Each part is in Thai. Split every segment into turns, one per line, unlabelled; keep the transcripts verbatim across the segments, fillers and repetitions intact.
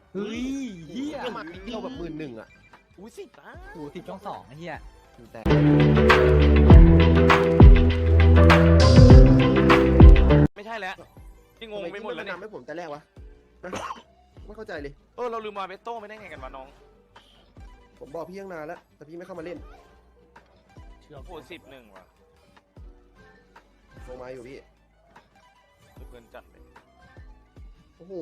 เฮ้ยเฮีย
ก็มาอีกเดียวแบบหมื่นหนึ่งอ่ะ
อุ้ยสิบนะ
โอ้สิบช่องสองไอ้เฮีย
แต่
ไม่ใช่แล้วพี่งงไปหมดแล้ว
ทำ
เนี่ย
ไมให้ผมแต่แรกวะนะไม่เข้าใจเลย
เออเราลืมมาเบโต้ไม่ได้ไงกันวะน้อง
ผมบอกพี่ตั้งนานแล้วแต่พี่ไม่เข้ามาเล่น
โอ้โหสิบหนึ่งว่ะ
ลงมาอยู่พี่
เพื่อนจัดเลย
โอ้โห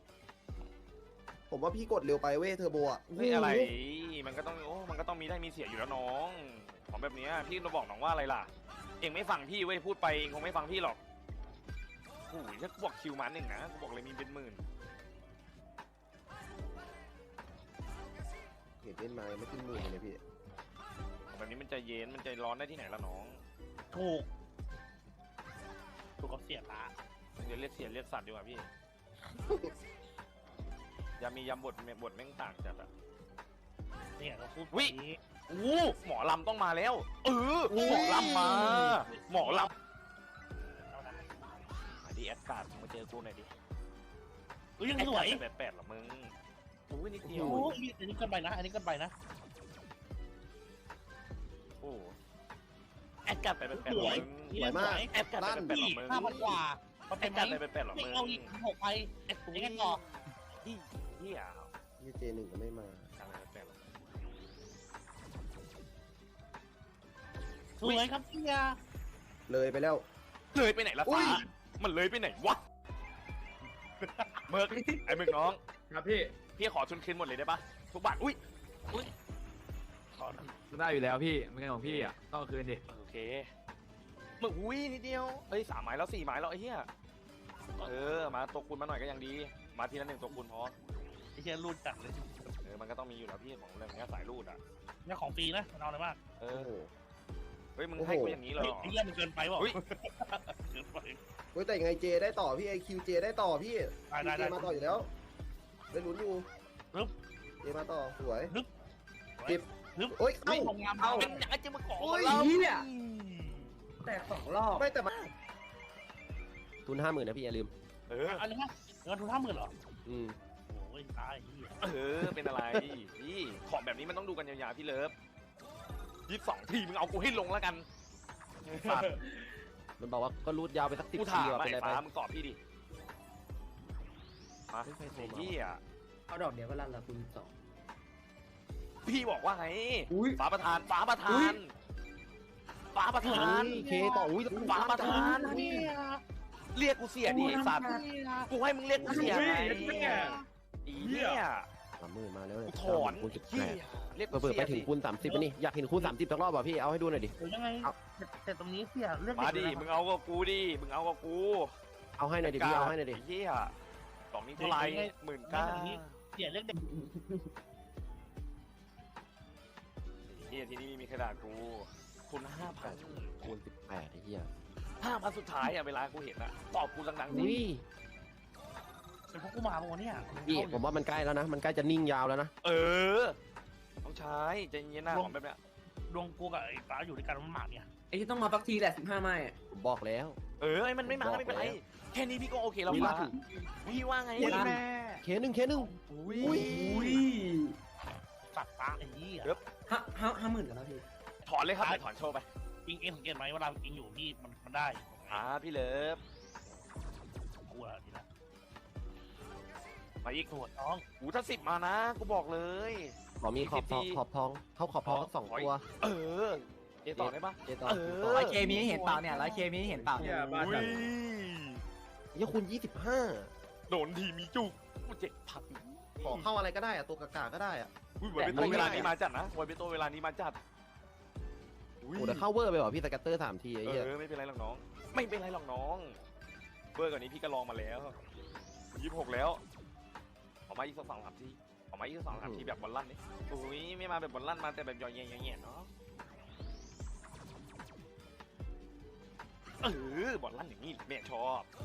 ผมว่าพี่กดเร็วไปเว้ยเทอร์โบอ่ะ
เฮ้ยอะไรมันก็ต้องโอ้มันก็ต้องมีได้มีเสียอยู่แล้วน้องของแบบเนี้ยพี่เราบอกน้องว่าอะไรล่ะเองไม่ฟังพี่เว้ยพูดไปเองคงไม่ฟังพี่หรอกโอ้ยถ้ากูบอกคิวมาหนึ่งนะกูบอกเลยมีเป็นหมื่น
เห็นเล่นมาไม่ขึ้นหมื่นเลยพี่
แบบนี้มันใจเย็นมันใจร้อนได้ที่ไหนล่ะน้อง
ถูกถูกก็เสียตา
เดี๋ยวเรียกเสียเรียกสัตว์ดีกว่าพี่ ยามียำบทบทแม่งต่างจัดอะ
เนี่ยเราพูด
วิ
นี้
อู้หมอลำต้องมาแล้ว เออหมอลำมา หมอลำมาดิแอดการ์ดมาเจอกูหน่อยดิ
เฮ้ยยัง
แอด
ส
กา
วย
ร์ดแปดแปดหรอมึงอู้นิดเดียว
โอ้ยอันนี้เกินไปนะ อันนี้เกินไปนะ
โอ้แอดการ์ดแปดแปดหรอมึง
สวยมาก
แอดการ์ดแปดแปดหรอมึง
ห้าพันกว่ามัน
แอ
เป็น
ด
ไหม
การ์ดแปดแปดหรอ
ไม่
มึง
เอาอีกหกไปเอ็ดยังไงต่อ
เฮียเฮีย
ยี่เจหนึ่งก็ไม่มา
การ์ดแปดแปดหรอ
สวยครับพี่ยา
เลยไปแล้ว
เลยไปไหนละ
อุ้
ฟ้าย มันเลยไปไหนวะเมิร์กไอ้เมิร์กน้อง
ครับพี่
พี่ขอทุนคืนหมดเลยได้ปะทุกบาทอุ้ยอุ้ยขอ
ได้อยู่แล้วพี่มันเป็นของพี่อ่ะต้องคืนดิ
โอเคมึงอุ้ยนิดเดียวเอ้ยสามไม้แล้วสี่ไม้แล้วไอ้เหี้ยเออมาตัวคูณมาหน่อยก็ยังดีมาทีละหนึ่งตัวคูณพอ
ไอ้เชี่ยรูดจัดเลย
เออมันก็ต้องมีอยู่แล้วพี่ของเรื่องนี้สายรูดอ่ะ
เนี่ยของฟรีนะมันเอาอะไรมาก
เอ
โอ้
อ
โห
เฮ้ยมึง
โอ้โห
ให้กูอย่างนี้เลย
เฮ้ย
เหรอ
ไอ้เหี้ยมันเกินไปเปล่า
อุ๊ย
เกินไป
เฮ้ยแต่ยังไงเจได้ต่อพี่ไอคิวเจได้ต่อพี่
ได้ได้
เจ
ได้
มาต่ออยู่แล้วได้ลุ้นอยู่
ปึ๊บ
เจมาต่อสวย
ปึ๊บ
เก็บ
ปึ๊บ
โอ้ย
ไม่
เอ้า
ลงงาม
เอ้า
เป็นอย่างจะมาขอ
โอ้ย
เรา
เฮียแต่สองรอบ
ไม่แต่มาทุนห้าหมื่นนะพี่อย่าลืม
เออ
อันนี้ฮะเงินทุนห้าหมื่นเหรอ
อืม
โอ้ยตายเหี้ย
เออเป็นอะไรพี่ของแบบนี้มันต้องดูกันยาวๆพี่เลิฟยี่สิบสองทีมึงเอากูให้ลงแล้วกันสัตว์
มันบอกว่าก็รูดยาวไปสักสิบ
กู
ที
ถาม
ว่ะ
ไอ้
เป็นไรไป
ฟ้ามึงตอบพี่ดิมา
ไม่ใครโทร
ไอ้
มา
เหี้ย
เอาดอกเดียวก็ลั่นละคุณสอง
พี่บอกว่าไง
อุ้ย
ฟ้าประธานฟ้าประธานฟ้าประธาน
เคต่ออุ้ย
ฟ้าประธาน
เนี่ย
เรียกกูเสียดิไอ้สัตว์กูให้มึงเรียกกูเสียไงอีเนี่ย
สามหมื่นมาแล้ว
กู
เนี่ย
ถอน
คูณสิบ
เหี้
แป
ย
ด
เรียกกู
เปิด
เสี
ไป
ย
ถึ
ดิ
งคูณสามสิบนี่อยากเห็นคูณสามสิบสักรอบป่ะพี่เอาให้ดูหน่อยดิ
หรือยังไงแต่แต่ตรงนี้เสียเรื่อง
มาดิ
เด็ก
มึงเอากับกูดิมึงเอากับกู
เอาให้หน่อยดิพี่เอาให้หน่อยดิ
ไอ้เหี้ยสองนี้เท่าไหร่หมื่นเก้า
เสียเรื่องเด็ก
เหี้ยที่นี่มีขนาดกูคุณห้าพัน
คูณสิบแปดไอ้เหี้ย
ห้าพันสุดท้ายอะเวลากูเห็นอะตอบกูดังๆสิ
อุ้ย
เป็นพวกกูมาปะวะเนี่ย
พี่ผมว่ามันใกล้แล้วนะมันใกล้จะนิ่งยาวแล้วนะ
เออต้องใช้ใจเย็นๆนะของแบบเนี้ย
ดวงกูกับไอ้ฟ้าอยู่ด้วยกันมันหมากเนี่ย
ไอ้ที่ต้องมาปักทีแหละสิบห้าไม้อะ
ผมบอกแล้ว
เออไอ้มันไม่มาก็ไม่เป็นไรแค่นี้พี่ก็โอเคแล้ว
มี
ฟ้า
ล่าสุด
พี่ว่าไง
ลั่น
เคหนึ่งเคหนึ่ง
อุ้ย
อุ้ย
อุ้ย
สัตว์ฟ้าไอ้ยี่อ่ะ
ห้าห้าห้าหมื่นกันแล้วพี่
ถอนเลยครับเดี๋ยวถอนโชว์ไป
อิงเอ็งสังเกตไหมเวลาอิงอยู่พี่มันมันได้
อ่าพี่เลิฟ
กูอะดีนะ
มาอีก
ตรวจน้อง
หูถ้าสิบมานะกูบอกเลย
ขอมีขอบทองขอบทองเข้าขอบทองสักสองตัว
เออเจต่อได้ปะ
เจต่อ
เออ
ร้อยเคมีให้เห็นเปล่าเนี่ยร้อยเคมีให้เห็นเปล่าเนี่ย
อุ้ย
ยี่คูณยี่สิบห้า
โดนทีมีจุกกูเจ็บพัด
ขอเข้าอะไรก็ได้อะตัวกากาก็ได้อะ
อุ้ยวันเป็นตัวเวลานี้มาจัดนะวันเป็นตัวเวลานี้มาจัดอุ้ย
โอ้แต่เข้าเวอร์ไปว่ะพี่สแกตเตอร์สามทีไอ้
เอ
เหี้ย
อไม่เป็นไรหรอกน้อง ไม่เป็นไรหรอกน้องเบอร์กว่านี้พี่ก็ลองมาแล้วยี่สิบหกแล้วออกมาอีกสักสองสามทีออกมาอีกสักสองสามทีแบบบอลลั่นนี่อุ้ยไม่มาแบบบอลลั่นมาแต่แบบย่อยๆๆๆเนาะเออบอลลั่นอย่างนี้แม่ชอบ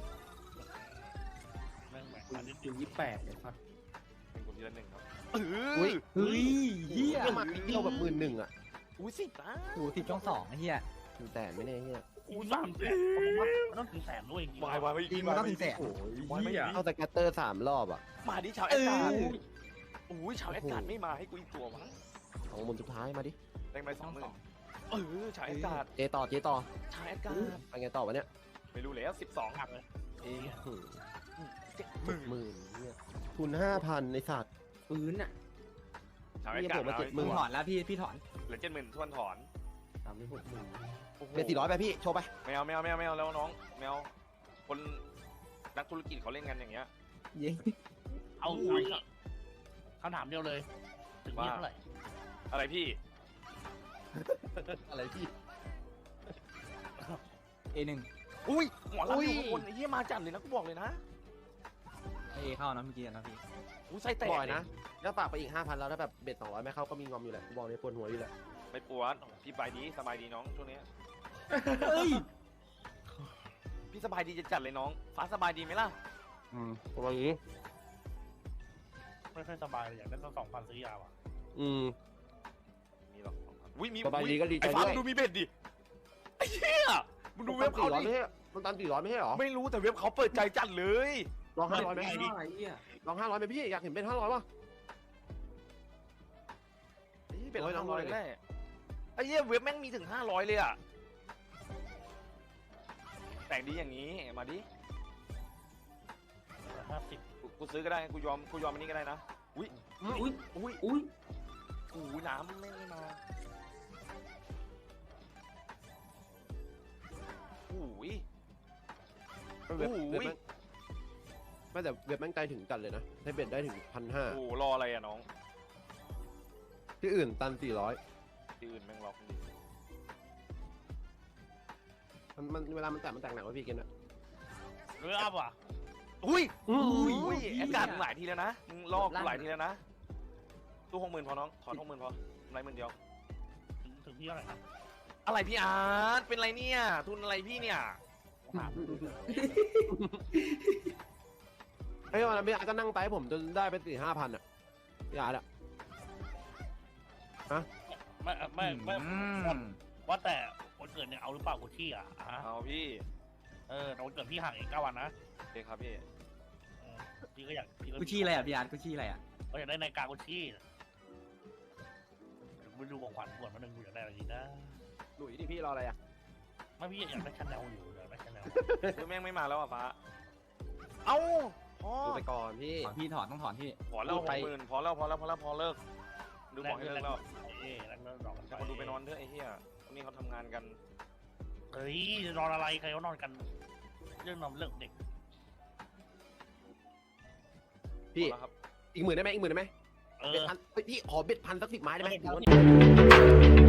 แม่งแบบ
คุ
อั
ณ
นนี้
คุณยี่สิบแปดเนี่ยครับ
เป็นคนทีละหนึ่งครับเออ
อุ้ย
เฮ้ยเฮีย
ก็มาอีกเดียวแบบหมื่นหนึ่งอ่ะ
อุ้ยสิบนะ
โอ้สิบช่องสองไอ้เฮีย
หนึ่งแต่ไม่แน่เหี้ย
กูสามแสนมันต้องถึงแสนด้วยจริง
วายวายไม่
จริงมันต้องถึงแสน
โอ้ยวายไม่
เอาแต่แกตเตอร์สามรอบอ่ะ
มาดิชาวแอดการ์ดโอ้ยชาวแอดการ์ดไม่มาให้กูอีกตัวมั้ง
สองหมุนสุดท้ายมาดิ
ได้ไหมสองหมื่นเออชาวแอดการ์ด
เจต่อเจต่อ
ชาวแอดการ์ด
ไปไงต่อวะเนี่ย
ไม่รู้แล้วสิบสอง
หักเลย
เอ้ย
เจ็ดหมื่น
หมื่นเนี่ยทุนห้าพันในสัตว์
ปืนอ่ะ
ชาวแอดการ์ด
นี่ผมมาเจ็ดห
มึ
มื่
ง
น
ถอนแล้วพี่พี่ถอน
เหลือเจ็ดหมื่นทวนถอน
สามสิบหกหมื่น
โอ้โห
เป็นสี่ร้อยไปพี่โชว์ไป
ไม่เอาไม่เอาไม่เอาไม่เอาแล้วน้องไม่เอาคนนักธุรกิจเขาเล่นกันอย่างเงี้ย
เย้
เอาเอาอีกคำถามเดียวเลย ถึงนี่เท่าไหร่
อะไรพี่
อะไรพี่
เอหนึ่ง
อุ้ยหัวเราะอยู่ข้างบนไอ้เหี้ยมาจัดเลยนะกูบอกเลยนะ
เอเข้านะเมื่อกี้นะพี่
กูใส่แตก
บ่อยนะแล้วฝากไปอีกห้าพันแล้วถ้าแบบเบ็ดสองร้อยไม่เข้าก็มีงอมอยู่แหละบอกเลยปวดหัวอยู่แหละ
ไม่ปวดพี่สบายดีสบายดีน้องช่วงนี้
เฮ้ย
พี่สบายดีจะจัดเลยน้อง ฟ้าสบายดีไหมล่ะ
อืมประมาณนี้
ไม่ค่อยสบายเลยอยากได้สักสองพันซื้อยาว่ะ
อืม
มีหรอกอุ้ยมี
สบายดีก็ดีใจ
ไอ้ฟ้า
ด้วย
มึงดูมีเบ็ดดิไอ้เหี้ยมึงดูเว็บเขา
สี่ร้อย
ดิ
ไม่ใช่มันตันสี่ร้อยไม่ใช่หรอ
ไม่รู้แต่เว็บเขาเปิดใจจัดเลย
ลองห้าร้อยไหม
ไอ้เหี้ย
ลองห้าร้อยไหมพี่อยากเห็นเป็นห้าร้อยป่ะ
ไอ้เหี้ยเบ็ด
โอ้ยน้
ห้า
อง
ร้อย
เลย
แน่ไอ้เหี้ยเว็บแม่งมีถึงห้าร้อยเลยอะแต่งดีอย่างนี้มาดิ
ห้าสิบ
กูกูซื้อก็ได้กูยอมกูยอมอันนี้ก็ได้นะอุ้ย
อุ้ย
อุ้ย
อุ้ย
อู้น้ำไม่ไม่มาอุ้ย
เว็บ
โอ้
เว็บ
ย
แม่งไม่แต่เว็บแม่งใจถึงจัดเลยนะให้เบ็ดได้ถึงพันห้า
โอ้รออะไรอะน้อง
ที่อื่นตันสี่ร้อย
ที่อื่นแม่งล็อกดี
มันมันเวลามันแตกมันแตกหนักกว่าพี่เกนอะ
เรืออัพว่ะ
อุ้ย
อุ้
อุ้ยแอดการ์ดมึงหลายทีแล้วนะมึงลอกกูหลายทีแล้วนะตู้หกหมื่นพอน้องถอนหกหมื่นพอกำไรหมื่นเดียว
ถึงถึงที่เท่าไหร่นะ
อะไรพี่อาร์ตเป็นไรเนี่ยทุนอะไรพี่เนี่ย
ถาม
ไอ้วันนั้นพี่อาร์ตก็นั่งไปให้ผมจนได้ไปสี่ห้าพันอะพี่อาร์ตอะ
ไม่ไม่ไม่
อืม
ว่าแต่วันเกิดเนี่ยเอาหรือเปล่ากูที่อ่ะอ่ะ
เอาพี่
เออแต่วันเกิดพี่ห่างอีกเก้าวันนะ
โอเคครับพี่
อืมพี่ก็อยากพี่ก็
กูชี้อะไรอ่ะพี่อาร์ตกูชี้อะไรอ่ะ
ก็อยากได้นาฬิกากูที่ไปดูของขวัญก่อนมาหนึ่งกูอยากได้อะไรดีนะ
หลุยดิพี่รออะไรอะ
ไม่พี่อยากได้ชาแนลอยู่อยากได้ชาแนล
คือแม่งไม่มาแล้วอ่ะฟ้าเอ้าพอ
ดูไปก่อนพี่
ถอนพี่ถอนต้องถอนพี่
พอแล้วห
ไป
กหมื่นพอแล้วพอแล้วพอแล้วพอเลิกดูบอกให้เลิกแล้ว
เอ๊ะแล้วแล้วดอกกัน
จะมาดูไปนอนเถอะไอ้เหี้ยวันนี้เขาทำงานกัน
เฮ้ยนอนอะไรใครเขานอนกัน เรื่องนอนเรื่องเด็ก
พี่
พอแล้วครับ
อีกหมื่นได้ไหมอีกหมื่นได้ไหม
เอ
เบ็ด
อ
พันเฮ้ยพี่ขอเบ็ดพันสักสิบไม้ได้ไหม
เออ